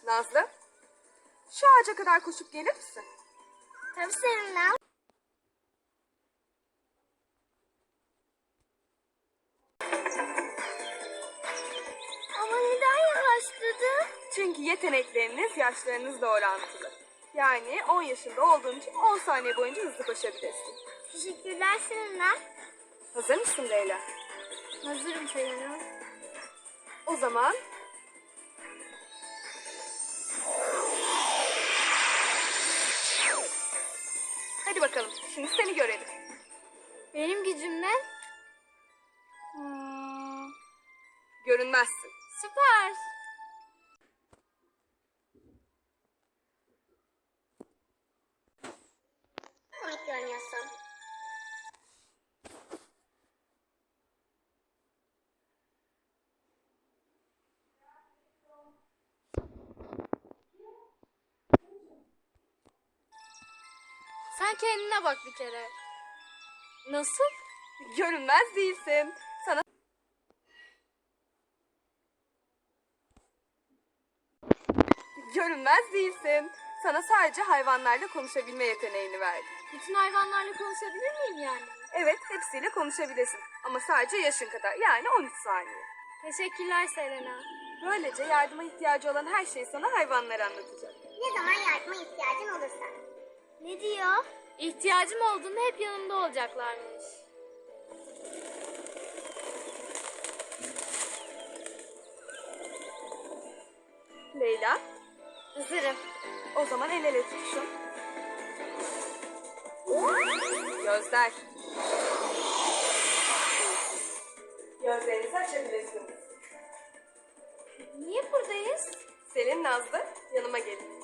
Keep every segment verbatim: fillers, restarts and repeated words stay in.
Nazlı, şu ağaca kadar koşup gelir misin? Tabii Selena. Ama neden yavaşladın? Çünkü yetenekleriniz yaşlarınızla orantılı. Yani on yaşında olduğun için on saniye boyunca hızlı koşabilirsin. Teşekkürler Selena. Hazır mısın Leyla? Hazırım Selena. O zaman hadi bakalım, şimdi seni görelim. Benim gücüm ne? Hmm, görünmezsin. Süper. Komik görünüyorsun. Sen kendine bak bir kere. Nasıl? Görünmez değilsin. Sana görünmez değilsin. Sana sadece hayvanlarla konuşabilme yeteneğini verdim. Bütün hayvanlarla konuşabilir miyim yani? Evet, hepsiyle konuşabilirsin. Ama sadece yaşın kadar, yani on üç saniye. Teşekkürler Selena. Böylece yardıma ihtiyacı olan her şeyi sana hayvanlar anlatacak. Ne zaman yardıma ihtiyacın olursa. Ne diyor? İhtiyacım olduğunda hep yanımda olacaklarmış. Leyla, Hazırım. o zaman el ele tutuşun. Gözler. Gözlerinizi açabilirsiniz. Niye buradayız? Selin, Nazlı, yanıma gelin.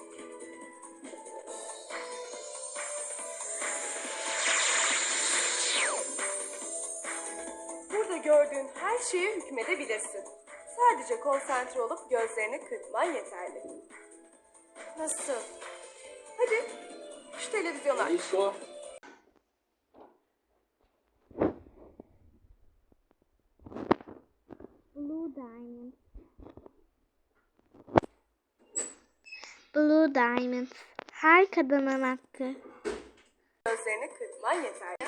Burada gördüğün her şeye hükmedebilirsin. Sadece konsantre olup gözlerini kırpman yeterli. Nasıl? Hadi, şu televizyonu aç. Disco. Blue Diamond. Blue Diamond. Her kadının hakkı. Gözlerini kırpman yeterli.